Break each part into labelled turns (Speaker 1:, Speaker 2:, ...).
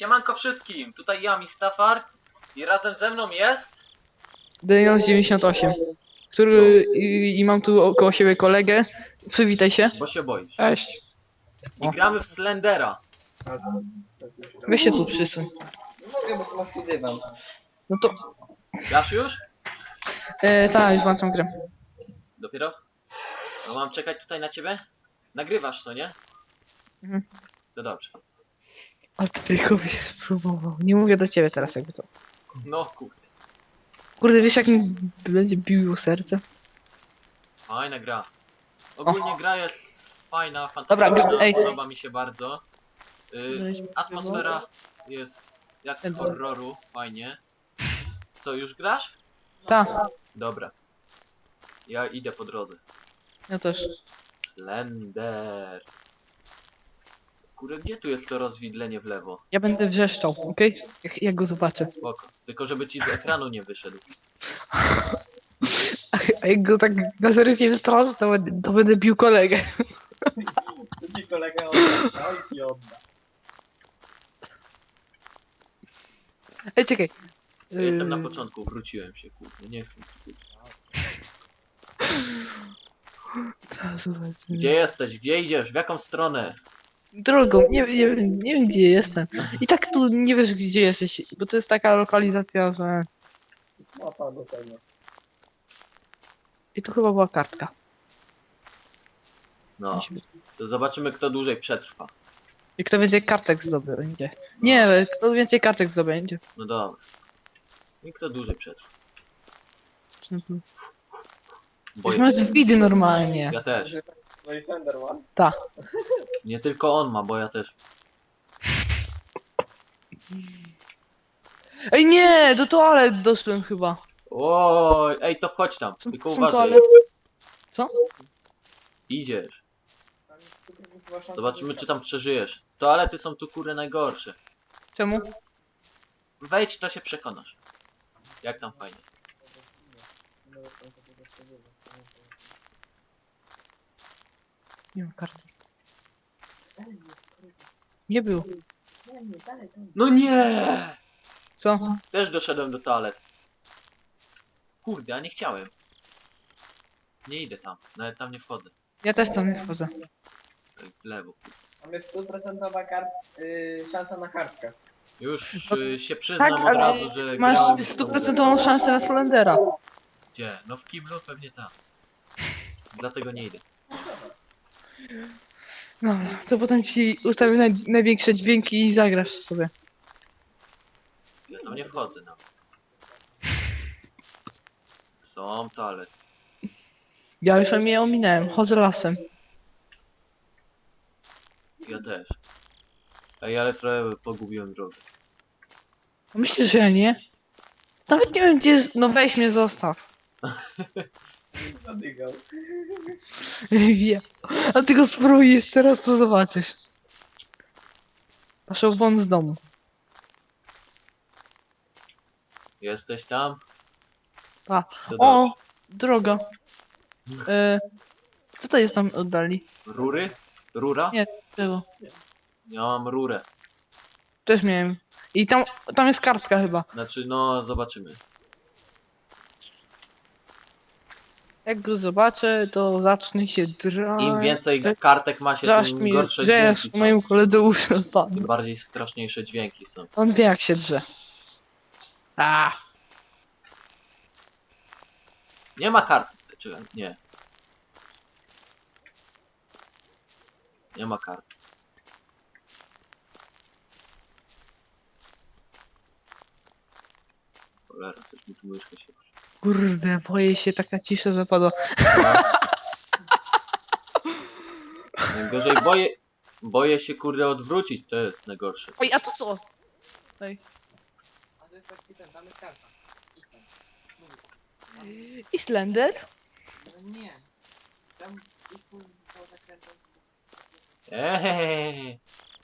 Speaker 1: Siemanko wszystkim, tutaj ja, Mistafar i razem ze mną jest...
Speaker 2: Daniel 98, który i mam tu około siebie kolegę. Przywitaj się.
Speaker 1: Bo się boisz.
Speaker 2: Cześć.
Speaker 1: I gramy w Slendera.
Speaker 2: Weź się tu przysuń.
Speaker 3: Nie mogę, bo tu masz tu dywan.
Speaker 2: No to...
Speaker 1: Grasz już?
Speaker 2: Tak, już włączam grę.
Speaker 1: Dopiero? No mam czekać tutaj na ciebie? Nagrywasz to, nie?
Speaker 2: Mhm.
Speaker 1: To dobrze.
Speaker 2: Ale ty tylko byś spróbował. Nie mówię do ciebie teraz jakby to.
Speaker 1: No kurde.
Speaker 2: Kurde, wiesz jak mi będzie biło serce?
Speaker 1: Fajna gra. Ogólnie gra jest fajna,
Speaker 2: Dobra,
Speaker 1: fantastyczna,
Speaker 2: ej.
Speaker 1: podoba mi się bardzo. Atmosfera jest jak z horroru, fajnie. Co, już grasz?
Speaker 2: Tak,
Speaker 1: Dobra. Ja idę po drodze.
Speaker 2: ja też.
Speaker 1: Slender. Kurde, gdzie tu jest to rozwidlenie w lewo?
Speaker 2: Ja będę wrzeszczał, okej? Jak go zobaczę.
Speaker 1: Spoko. Tylko żeby ci z ekranu nie wyszedł.
Speaker 2: A jak go tak na serio nie wystraszę, to będę bił kolegę.
Speaker 3: Tu ci kolega odda. Oj, ci odda.
Speaker 2: Ej, czekaj.
Speaker 1: Ja jestem na początku, wróciłem się, kurde, nie chcę. Gdzie jesteś? Gdzie idziesz? W jaką stronę?
Speaker 2: Drogą, nie wiem gdzie jestem. I tak tu nie wiesz gdzie jesteś, bo to jest taka lokalizacja, że...
Speaker 3: Mapa do tego.
Speaker 2: I tu chyba była kartka.
Speaker 1: No, to zobaczymy kto dłużej przetrwa.
Speaker 2: I kto więcej kartek zdobędzie. Nie, kto więcej kartek zdobędzie.
Speaker 1: No dobra. I kto dłużej przetrwa?
Speaker 2: Już
Speaker 1: Boję
Speaker 2: masz
Speaker 1: się.
Speaker 2: widy normalnie.
Speaker 1: Ja też.
Speaker 3: No i Thunder One?
Speaker 2: Ta.
Speaker 1: Nie tylko on ma, bo ja też.
Speaker 2: Ej nie, do toalet doszłem chyba.
Speaker 1: Oj, ej, to wchodź tam. Tylko
Speaker 2: Są
Speaker 1: uważaj.
Speaker 2: toalety. Co?
Speaker 1: Idziesz. Zobaczymy czy tam przeżyjesz. Toalety są tu kurde najgorsze.
Speaker 2: Czemu?
Speaker 1: Wejdź, to się przekonasz. Jak tam fajnie.
Speaker 2: Nie ma karty. Nie było.
Speaker 1: No nie!
Speaker 2: Co?
Speaker 1: Też doszedłem do toalet. Kurde, a nie chciałem. Nie idę tam, nawet tam nie wchodzę.
Speaker 2: Ja też tam nie wchodzę.
Speaker 1: Tak w lewo.
Speaker 3: Mamy 100% szansa na kartkę.
Speaker 1: Już
Speaker 2: No,
Speaker 1: się przyznam
Speaker 2: tak,
Speaker 1: od
Speaker 2: ale
Speaker 1: razu, że
Speaker 2: Masz
Speaker 1: grałem...
Speaker 2: 100% szansę na Slendera.
Speaker 1: Gdzie? No w kiblu pewnie tam. Dlatego nie idę.
Speaker 2: Dobra, to potem ci ustawię największe dźwięki i zagrasz sobie.
Speaker 1: Ja tam nie wchodzę nawet. Są toalety.
Speaker 2: Ja już je ominąłem, chodzę lasem.
Speaker 1: Ja też. Ej, ale trochę pogubiłem drogę.
Speaker 2: Myślisz, że ja nie? Nawet nie wiem gdzie jest, no weź mnie zostaw.
Speaker 3: Zadygał.
Speaker 2: Wiem. A ty go spróbuj jeszcze raz, to zobaczysz. Paszą won z domu.
Speaker 1: Jesteś tam?
Speaker 2: Pa.
Speaker 1: To
Speaker 2: O,
Speaker 1: dobrze.
Speaker 2: droga. Co to jest tam oddali?
Speaker 1: Rury? Rura?
Speaker 2: Nie. Tego.
Speaker 1: Ja mam rurę.
Speaker 2: Też miałem. I tam jest kartka chyba.
Speaker 1: Znaczy, no, zobaczymy.
Speaker 2: Jak go zobaczę, to zacznę się drać.
Speaker 1: Im więcej kartek ma się,
Speaker 2: Zaś
Speaker 1: tym
Speaker 2: mi
Speaker 1: gorsze
Speaker 2: drzesz
Speaker 1: dźwięki są.
Speaker 2: moim koledze uszy
Speaker 1: Tym
Speaker 2: odpadną.
Speaker 1: bardziej straszniejsze dźwięki są.
Speaker 2: On wie jak się drze. A.
Speaker 1: Nie ma kart. Czekaj, nie. Nie ma kart. Cholera, coś mi tu myszka się...
Speaker 2: Kurde, boję się, taka cisza zapadła.
Speaker 1: Najgorzej boję się kurde odwrócić, to jest najgorsze.
Speaker 2: Oj, a to co? Ej.
Speaker 3: A to jest taki ten, tam jest karta.
Speaker 2: I Slender?
Speaker 3: No nie. Tam ich po zakrętach.
Speaker 1: Ehehehe.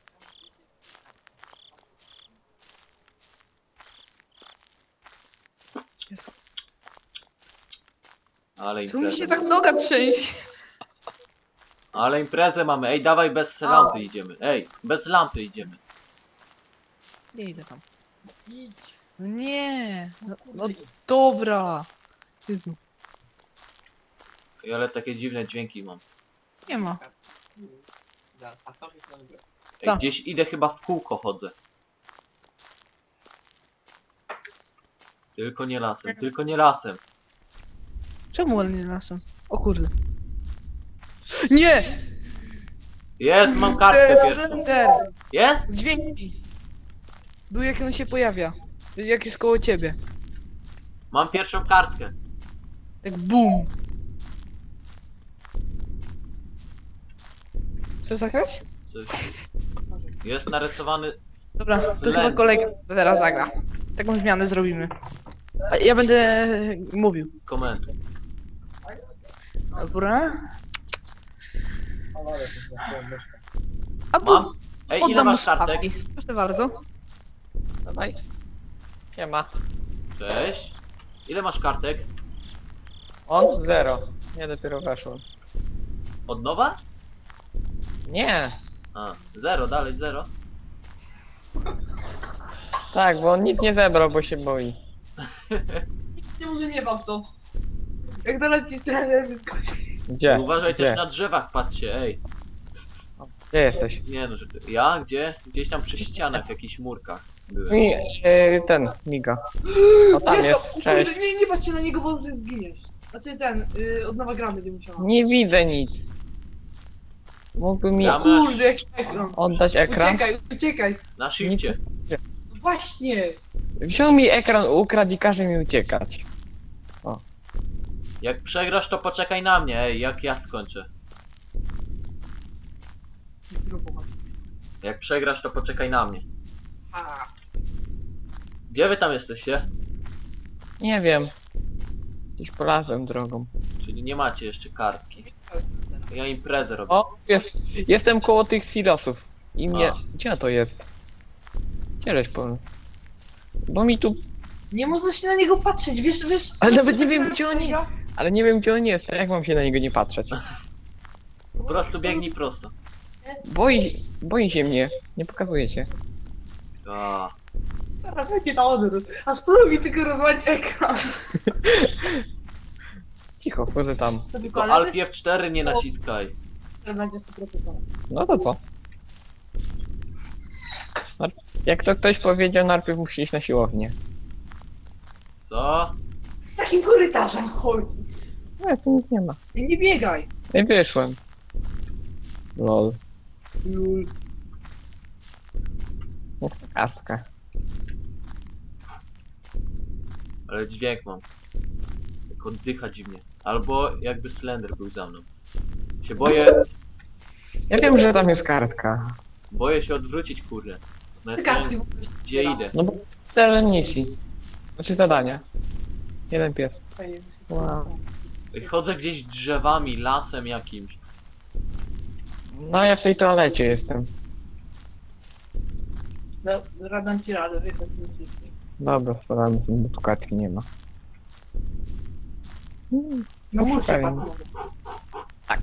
Speaker 1: Ale
Speaker 2: Tu mi się
Speaker 1: imprezę.
Speaker 2: tak noga trzęsie.
Speaker 1: Ale imprezę mamy. Ej, dawaj bez lampy idziemy. Ej, bez lampy idziemy.
Speaker 2: Nie idę tam.
Speaker 3: Idź.
Speaker 2: No nie! No
Speaker 3: kurde.
Speaker 2: dobra! Jezu,
Speaker 1: Ej, ale takie dziwne dźwięki mam.
Speaker 2: nie ma.
Speaker 3: A tam jest na górę.
Speaker 1: Ej,
Speaker 2: Tak.
Speaker 1: gdzieś idę, chyba w kółko chodzę. Tylko nie lasem, tylko nie lasem.
Speaker 2: Czemu on nie lasem? O kurde. Nie!
Speaker 1: Jest, mam kartkę pierwszą.
Speaker 2: Slender!
Speaker 1: Jest?
Speaker 2: Dźwięki! Był jak on się pojawia. Jak jest koło ciebie.
Speaker 1: Mam pierwszą kartkę.
Speaker 2: Tak BUM! Co zagrać?
Speaker 1: Coś. Jest narysowany.
Speaker 2: Dobra, to
Speaker 1: Slender.
Speaker 2: chyba kolega teraz zagra. Taką zmianę zrobimy. A ja będę mówił.
Speaker 1: Komentuj.
Speaker 2: Dobra. A
Speaker 1: Mam. Ej, ile
Speaker 2: oddam
Speaker 1: masz
Speaker 2: mu
Speaker 1: kartek?
Speaker 2: słuchawki. Proszę bardzo.
Speaker 4: Dawaj. Siema.
Speaker 1: Cześć. Ile masz kartek?
Speaker 4: On? 0. Ja dopiero weszłem.
Speaker 1: Od nowa?
Speaker 4: Nie.
Speaker 1: A, 0, dalej 0.
Speaker 4: Tak, bo on nic nie zebrał, bo się boi.
Speaker 2: Nie może nie wam to. Jak doleci trener wyskoczy.
Speaker 4: Gdzie?
Speaker 1: Uważaj
Speaker 4: Gdzie?
Speaker 1: też na drzewach, patrzcie, ej.
Speaker 4: Gdzie jesteś?
Speaker 1: Nie no, że ty... Ja? Gdzie? Gdzieś tam przy ścianach, w jakichś murkach byłem.
Speaker 4: Mi, ten, miga. O, tam jest, cześć.
Speaker 2: Nie patrzcie na niego, bo zginiesz. Znaczy od nowa gra będzie musiała.
Speaker 4: Nie widzę nic. Mógłby mi
Speaker 1: Gramy.
Speaker 2: Kurde, jaki ekran.
Speaker 4: oddać ekran?
Speaker 2: Uciekaj.
Speaker 1: Na shifcie.
Speaker 2: Właśnie.
Speaker 4: Wziął mi ekran, ukradł i każe mi uciekać.
Speaker 1: Jak przegrasz, to poczekaj na mnie, ej, jak ja skończę. Jak przegrasz, to poczekaj na mnie. Gdzie wy tam jesteście?
Speaker 4: Nie wiem. Gdzieś polazłem drogą.
Speaker 1: Czyli nie macie jeszcze kartki. Ja imprezę robię.
Speaker 4: O, jestem koło tych silosów. I mnie...
Speaker 1: A.
Speaker 4: Gdzie to jest? Gdzie żeś po... Bo mi tu...
Speaker 2: Nie można się na niego patrzeć, wiesz.
Speaker 4: Ale nawet nie wiem, gdzie on jest. Ale nie wiem, gdzie on jest, a jak mam się na niego nie patrzeć?
Speaker 1: Po prostu biegnij prosto.
Speaker 4: Boi się mnie. Nie pokazuje się.
Speaker 1: A,
Speaker 2: Teraz będzie na odwrót. A spróbuj tylko rozwalić ekran.
Speaker 4: Cicho, wchodzę tam.
Speaker 2: To
Speaker 1: tylko Alt F4 nie naciskaj.
Speaker 2: będzie 100%.
Speaker 4: No to co? Jak to ktoś powiedział, najpierw musi iść na siłownię.
Speaker 1: Co?
Speaker 2: Takim korytarzem chodzi.
Speaker 4: No, tu nic nie ma.
Speaker 2: Nie biegaj.
Speaker 4: Nie wyszłem. Lol. Jak to kartka.
Speaker 1: Ale dźwięk mam. Jak oddycha dziwnie. Albo jakby Slender był za mną. Się
Speaker 4: Ja wiem, że tam jest kartka.
Speaker 1: boję się odwrócić, kurde. Nawet nie wiem, gdzie idę.
Speaker 4: No bo tyle misji. Znaczy zadania. Jeden pies. Wow.
Speaker 1: Chodzę gdzieś drzewami, lasem jakimś.
Speaker 4: No ja w tej toalecie jestem.
Speaker 2: Radam ci radę, wiesz,
Speaker 4: Dobra, spadamy sobie, bo tu kartki nie ma.
Speaker 2: No muszę
Speaker 4: szukaj.
Speaker 2: patrzeć.
Speaker 4: Tak.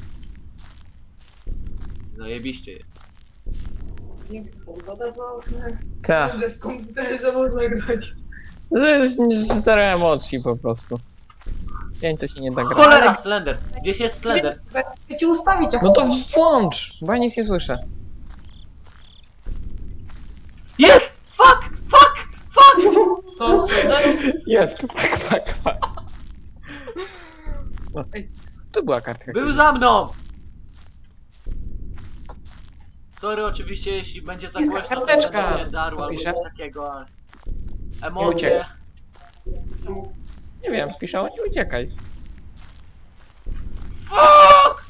Speaker 1: Zajebiście jest.
Speaker 2: Piękna pogoda, bo
Speaker 4: Tak.
Speaker 2: w komputerze można grać.
Speaker 4: Zero emocji po prostu. Dzień to się nie da grać.
Speaker 1: Cholera, Slender! Gdzieś jest Slender?
Speaker 2: Ja ci ustawić, jak
Speaker 4: No to włącz, bo ja nic nie słyszę.
Speaker 1: Jest! Fuck! Fuck! Fuck!
Speaker 2: to...
Speaker 4: Jest, pak. No. Tu była kartka.
Speaker 1: Był za mną! Sorry oczywiście, jeśli będzie za
Speaker 2: Jest
Speaker 1: głośno, to
Speaker 4: karteczka.
Speaker 1: będę się darł albo
Speaker 4: Pisze?
Speaker 1: coś takiego, ale...
Speaker 4: Nie
Speaker 1: Emocje.
Speaker 4: uciekaj. Nie wiem, piszą, nie uciekaj.
Speaker 1: Fuck!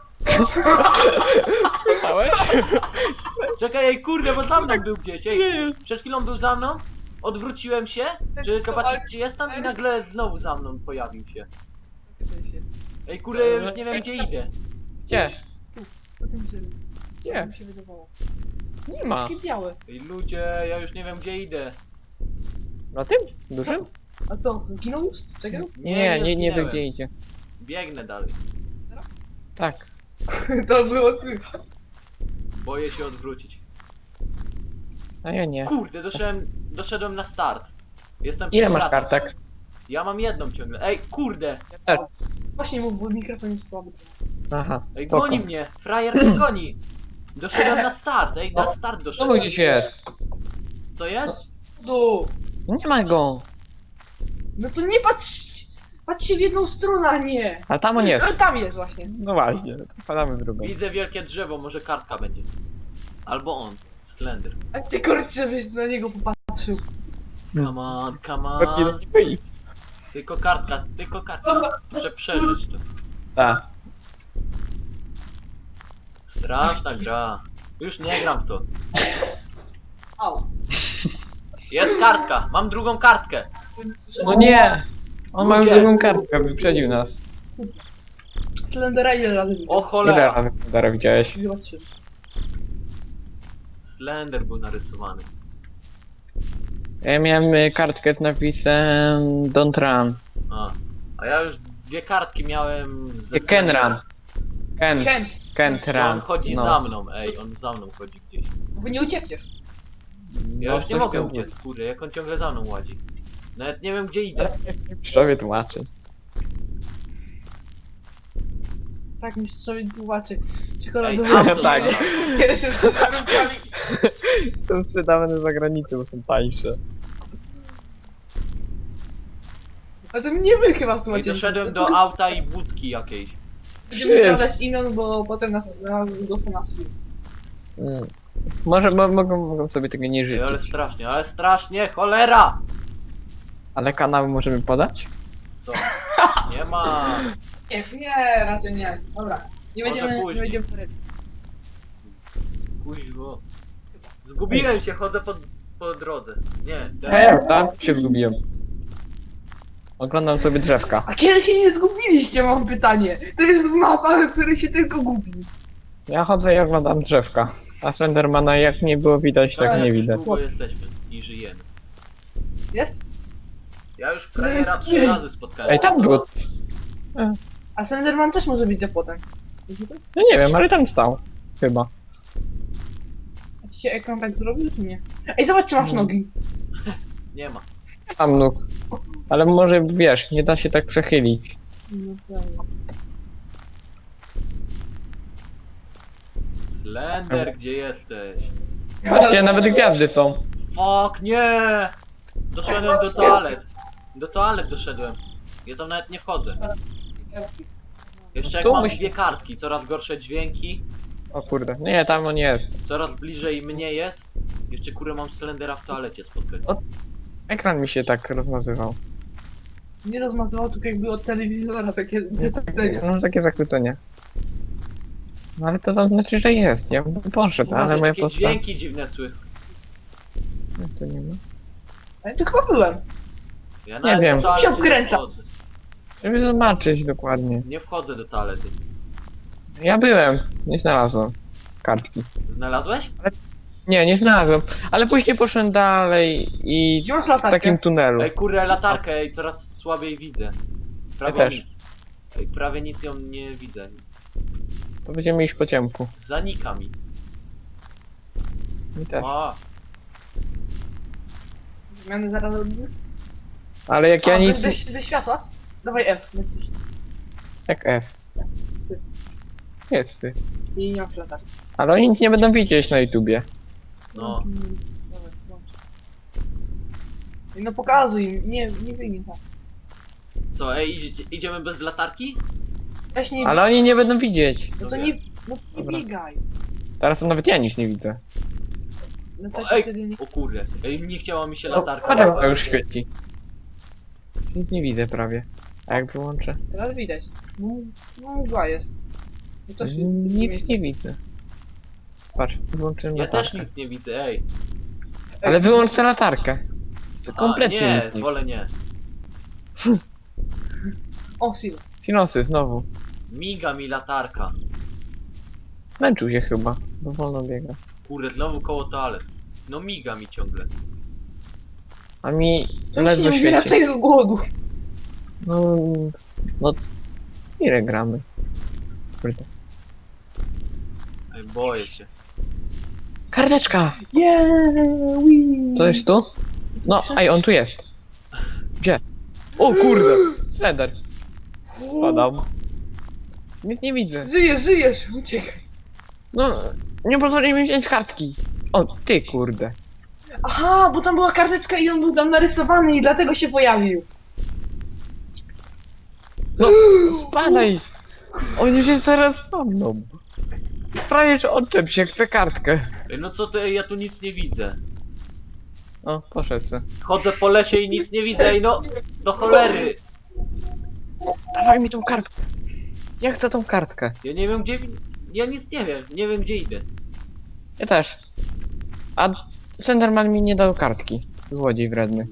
Speaker 4: Słyszałeś?
Speaker 1: Czekaj, ej, kurde, bo za mną był gdzieś, ej. Przed chwilą był za mną, odwróciłem się, żeby zobaczyć gdzie jestem i nagle znowu za mną pojawił się. Ej, kurde, ja już nie wiem gdzie idę.
Speaker 4: Gdzie?
Speaker 2: Gdzie?
Speaker 4: Gdzie?
Speaker 2: Mi się wydawało.
Speaker 4: Nie ma.
Speaker 2: Takie białe.
Speaker 1: Ej, ludzie, ja już nie wiem gdzie idę.
Speaker 4: Na tym? Dużym?
Speaker 2: A co, zginął już? Czekaj.
Speaker 4: Nie wiem
Speaker 1: zginęłem.
Speaker 4: gdzie idzie.
Speaker 1: Biegnę dalej.
Speaker 4: Tak.
Speaker 2: To było słychać.
Speaker 1: Boję się odwrócić.
Speaker 4: A ja nie.
Speaker 1: Kurde, doszedłem na start. Jestem
Speaker 4: Ile
Speaker 1: przy
Speaker 4: masz
Speaker 1: kratach.
Speaker 4: kartek?
Speaker 1: Ja mam jedną ciągle. Ej, kurde!
Speaker 2: Właśnie mów, bo mikrofon jest słaby.
Speaker 4: Aha,
Speaker 1: Ej,
Speaker 4: spoko.
Speaker 1: goni mnie! Frajer mnie goni! Doszedłem na start, ej, na start
Speaker 4: Znowu
Speaker 1: doszedłem.
Speaker 4: gdzieś jest.
Speaker 1: Co jest?
Speaker 2: Tu!
Speaker 4: No nie ma go.
Speaker 2: No to nie patrz! Patrz się w jedną stronę, a nie!
Speaker 4: A tam on jest.
Speaker 2: No, tam jest właśnie.
Speaker 4: No właśnie, wpadamy w drugą.
Speaker 1: Widzę wielkie drzewo, może kartka będzie. Albo on. Slender.
Speaker 2: A ty kurczę, żebyś na niego popatrzył.
Speaker 1: Come on, come
Speaker 4: Bardziej
Speaker 1: on.
Speaker 4: nie wyjść.
Speaker 1: Tylko kartka, tylko kartka. Muszę przeżyć to.
Speaker 4: Tak.
Speaker 1: Straszna gra. Już nie gram w to.
Speaker 2: Au.
Speaker 1: Jest kartka, mam drugą kartkę.
Speaker 4: No nie! On ma już
Speaker 1: Ludzie.
Speaker 4: drugą kartkę, wyprzedził nas.
Speaker 2: Slendera ile razy
Speaker 1: O
Speaker 2: widział?
Speaker 4: Ile
Speaker 1: cholera.
Speaker 4: razy Dara widziałeś?
Speaker 2: Chyba 3.
Speaker 1: Slender był narysowany.
Speaker 4: Ja miałem kartkę z napisem Don't Run.
Speaker 1: A ja już dwie kartki miałem ze
Speaker 4: Ken Run.
Speaker 2: Ken,
Speaker 4: Can't
Speaker 1: Że on
Speaker 4: Run.
Speaker 1: chodzi
Speaker 4: No.
Speaker 1: za mną, ej, on za mną chodzi gdzieś.
Speaker 2: bo nie uciekniesz.
Speaker 1: Ja
Speaker 4: No,
Speaker 1: już nie
Speaker 4: coś
Speaker 1: mogę
Speaker 4: tam
Speaker 1: uciec, kurde, jak on ciągle za mną ładzi. Nawet nie wiem gdzie idę.
Speaker 4: Sobie tłumaczy.
Speaker 2: Tak mistrzowi tłumaczy.
Speaker 1: Ej,
Speaker 2: Czekoladowy.
Speaker 1: auto
Speaker 4: Tak.
Speaker 1: znalazłem.
Speaker 2: Jestem za warunkami.
Speaker 4: Są sprzedawane za granicą, bo są tańsze.
Speaker 2: A to nie wy chyba w
Speaker 1: I
Speaker 2: tłumaczycie.
Speaker 1: doszedłem do auta i budki jakiejś.
Speaker 2: Będziemy sprawdzać imion, bo potem nas go po nas.
Speaker 4: Może mogą sobie tego nie żyć.
Speaker 1: Ej, ale strasznie, cholera!
Speaker 4: Ale kanały możemy podać?
Speaker 1: Co? Nie ma.
Speaker 2: Nie, raczej nie. Dobra. Nie
Speaker 1: Może
Speaker 2: będziemy, nie
Speaker 1: później.
Speaker 2: będziemy
Speaker 1: Kuźwo. Zgubiłem się, chodzę po drodze. Nie,
Speaker 4: Tam się zgubiłem. Oglądam sobie drzewka.
Speaker 2: A kiedy się nie zgubiliście, mam pytanie. To jest mapa, w której się tylko gubi.
Speaker 4: Ja chodzę i oglądam drzewka. A Slendermana jak nie było widać, tak nie
Speaker 1: już
Speaker 4: widać.
Speaker 1: długo jesteśmy i żyjemy.
Speaker 2: Jest?
Speaker 1: Ja już frajera 3 razy spotkałem.
Speaker 4: Ej, tam było.
Speaker 2: A Slenderman też może być za płotem. Wiecie to?
Speaker 4: No nie wiem, ale tam stał. Chyba.
Speaker 2: A ci się ekran tak zrobił, czy nie? Ej, zobacz, czy masz nogi.
Speaker 1: Nie ma.
Speaker 4: Tam nóg. Ale może wiesz, nie da się tak przechylić.
Speaker 2: No prawda.
Speaker 1: Slender, gdzie jesteś?
Speaker 4: Patrzcie, nawet gwiazdy są.
Speaker 1: Fuck, nie! Doszedłem do toalet. Do toalet doszedłem. Ja tam nawet nie wchodzę. Jeszcze jak
Speaker 4: Tu
Speaker 1: mam
Speaker 4: musi-
Speaker 1: dwie kartki, coraz gorsze dźwięki,
Speaker 4: O kurde, nie, tam on jest.
Speaker 1: coraz bliżej mnie jest. Jeszcze kurę mam Slendera w toalecie spotkać.
Speaker 4: Ekran mi się tak rozmazywał.
Speaker 2: Nie rozmazywał tylko jakby od telewizora takie detectenia.
Speaker 4: No takie zakłócenie. No ale to znaczy, że jest. Ja bym poszedł, ale moja
Speaker 1: takie
Speaker 4: postać.
Speaker 1: dźwięki dziwne słychać.
Speaker 4: No, to nie ma.
Speaker 2: Ale to chyba byłem.
Speaker 1: Ja
Speaker 4: Nie wiem.
Speaker 1: do toalety
Speaker 2: Się wkręca.
Speaker 1: wchodzę.
Speaker 4: Żeby zobaczyć dokładnie.
Speaker 1: Nie wchodzę do toalety.
Speaker 4: Ja byłem, nie znalazłem kartki.
Speaker 1: Znalazłeś?
Speaker 4: Nie znalazłem. Ale później poszedłem dalej i
Speaker 2: Gdzie masz
Speaker 4: w
Speaker 2: latarkę?
Speaker 4: takim tunelu.
Speaker 1: Ej kurę, latarkę, ej, coraz słabiej widzę. Prawie
Speaker 4: Ja też.
Speaker 1: nic. Ej, prawie nic ją nie widzę.
Speaker 4: To będziemy iść po ciemku.
Speaker 1: Zanika mi.
Speaker 4: Mi też.
Speaker 1: A,
Speaker 2: Zmiany zaraz robimy?
Speaker 4: Ale jak ja nic...
Speaker 2: Ze światła? Dawaj F, lecisz.
Speaker 4: Jak F. Jest ty.
Speaker 2: I nie masz latarki.
Speaker 4: Ale oni nic nie będą widzieć na YouTubie.
Speaker 1: no.
Speaker 2: Dawaj, włącz. No pokazuj im, nie wyjmij tam.
Speaker 1: Co, ej, idziemy bez latarki?
Speaker 2: Weź nie...
Speaker 4: Ale oni nie będą widzieć.
Speaker 2: No to nie... No nie
Speaker 4: Dobra.
Speaker 2: biegaj.
Speaker 4: Teraz to nawet ja nic nie widzę.
Speaker 2: No to
Speaker 1: O,
Speaker 2: się
Speaker 1: ej,
Speaker 2: wtedy nie...
Speaker 1: o kurde, ej, nie chciała mi się
Speaker 4: No,
Speaker 1: latarka.
Speaker 4: latarka już świeci. Nic nie widzę prawie. A jak wyłączę?
Speaker 2: Teraz widać. No mgła jest. No to się...
Speaker 4: Nic nie widzę. Patrz, wyłączyłem
Speaker 1: Ja
Speaker 4: latarkę.
Speaker 1: też nic nie widzę, ej.
Speaker 4: Ale wyłącz tę latarkę. To
Speaker 1: A,
Speaker 4: kompletnie
Speaker 1: nie,
Speaker 4: nic nie
Speaker 1: wolę nie.
Speaker 2: O, Sil.
Speaker 4: Sinosy znowu.
Speaker 1: Miga mi latarka.
Speaker 4: Zmęczył się chyba, bo wolno biega.
Speaker 1: Kurde, znowu koło toalet. No miga mi ciągle.
Speaker 4: A mi
Speaker 2: Nie
Speaker 4: ledwo
Speaker 2: umiera
Speaker 4: świeci.
Speaker 2: tutaj z głodu.
Speaker 4: No... Ile gramy? Kurde.
Speaker 1: Ej, boję się.
Speaker 4: Karteczka!
Speaker 2: Yeah,
Speaker 4: To jest tu? No, ej, on tu jest. Gdzie? O kurde! Slender. Spadam. Nic nie widzę.
Speaker 2: Żyjesz, uciekaj.
Speaker 4: No, nie pozwoli mi wziąć kartki. O, ty kurde.
Speaker 2: Aha, bo tam była karteczka i on był tam narysowany i dlatego się pojawił.
Speaker 4: No, spadaj! On już jest teraz za mną. Prawie, że odczep się, chcę kartkę.
Speaker 1: Ej, no co ty, ej, ja tu nic nie widzę.
Speaker 4: O, poszedł se.
Speaker 1: Chodzę po lesie i nic nie widzę, ej no! Do cholery!
Speaker 4: Dawaj mi tą kartkę. Ja chcę tą kartkę.
Speaker 1: Ja nie wiem gdzie... Ja nic nie wiem gdzie idę.
Speaker 4: Ja też. A Slenderman mi nie dał kartki. Złodziej wredny.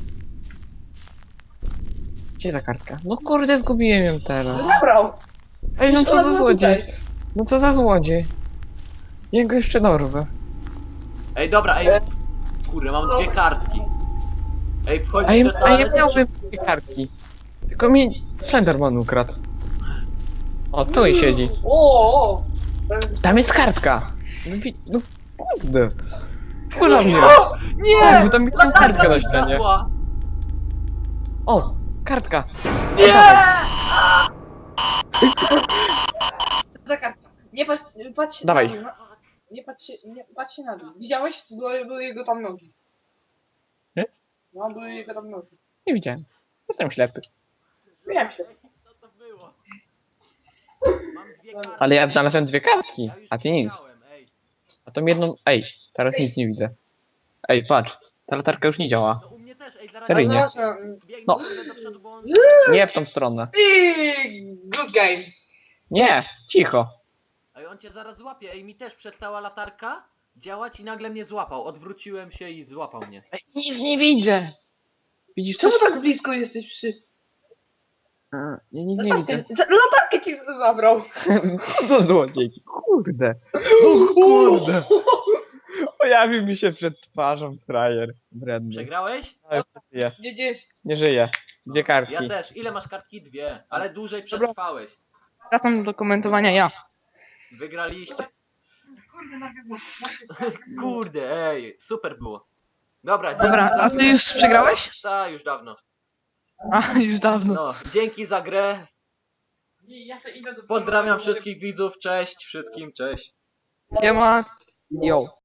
Speaker 4: Gdzie ta kartka? No kurde, zgubiłem ją teraz.
Speaker 2: Zabrał.
Speaker 4: Ej, no
Speaker 2: Ona
Speaker 4: co za
Speaker 2: była
Speaker 4: złodziej?
Speaker 2: tutaj.
Speaker 4: No co za złodziej? Ja go jeszcze dorwę.
Speaker 1: Ej, dobra, ej. Kurde, mam dwie kartki. Ej, wchodzi
Speaker 4: A ja,
Speaker 1: do
Speaker 4: a ja
Speaker 1: toalety.
Speaker 4: miałem dwie kartki. Tylko mi Slenderman ukradł. O, tu i siedzi.
Speaker 2: O.
Speaker 4: Tam jest kartka. No, no kurde. Wkurza mnie.
Speaker 1: O, nie!
Speaker 4: Bo tam jest
Speaker 1: Latarka
Speaker 4: kartka na
Speaker 1: mi
Speaker 4: ścianie.
Speaker 1: zgasła.
Speaker 4: O, kartka.
Speaker 1: Nie!
Speaker 2: Ta kartka. Nie patrz się
Speaker 4: Dawaj.
Speaker 2: na dół. Nie patrz się na dół. Widziałeś? Były jego tam nogi.
Speaker 4: Nie?
Speaker 2: No, były jego tam nogi.
Speaker 4: Nie widziałem. Jestem ślepy.
Speaker 2: Wiem się.
Speaker 1: Co to było? Mam dwie kartki.
Speaker 4: Ale ja znalazłem dwie kartki,
Speaker 1: Ja już
Speaker 4: a ty nic.
Speaker 1: przegrałem, ej.
Speaker 4: A tą jedną... Ej, teraz nic nie widzę. Ej, patrz. Ta latarka już nie działa.
Speaker 1: No u mnie też, ej, zaraz
Speaker 4: Seryjnie.
Speaker 1: biegnę
Speaker 4: No.
Speaker 1: do przodu, bo on...
Speaker 4: Nie w tą stronę.
Speaker 2: Good game.
Speaker 4: Nie, cicho.
Speaker 1: Ej, on cię zaraz złapie, ej, mi też przestała latarka działać i nagle mnie złapał. Odwróciłem się i złapał mnie.
Speaker 4: Ej, nic nie widzę. Widzisz co?
Speaker 2: Czemu tak blisko jesteś przy...
Speaker 4: Ja nic nie widzę.
Speaker 2: Latarkę ci zabrał.
Speaker 4: No złodziej. Kurde. O kurde. Pojawił mi się przed twarzą frajer. Wredny.
Speaker 1: Przegrałeś?
Speaker 4: Ale żyje.
Speaker 2: Gdzie?
Speaker 4: Nie żyje. Dwie kartki.
Speaker 1: Ja też. Ile masz kartki? Dwie. Ale dłużej przetrwałeś.
Speaker 2: Wracam do komentowania ja.
Speaker 1: Wygraliście. Kurde, ej, super było. Dobra, dzięki
Speaker 2: Dobra,
Speaker 1: za
Speaker 2: a ty
Speaker 1: grę.
Speaker 2: już przegrałeś?
Speaker 1: Tak, już dawno.
Speaker 2: A, już dawno.
Speaker 1: No, dzięki za grę. Pozdrawiam wszystkich widzów, cześć wszystkim, cześć.
Speaker 2: Siema. Yo.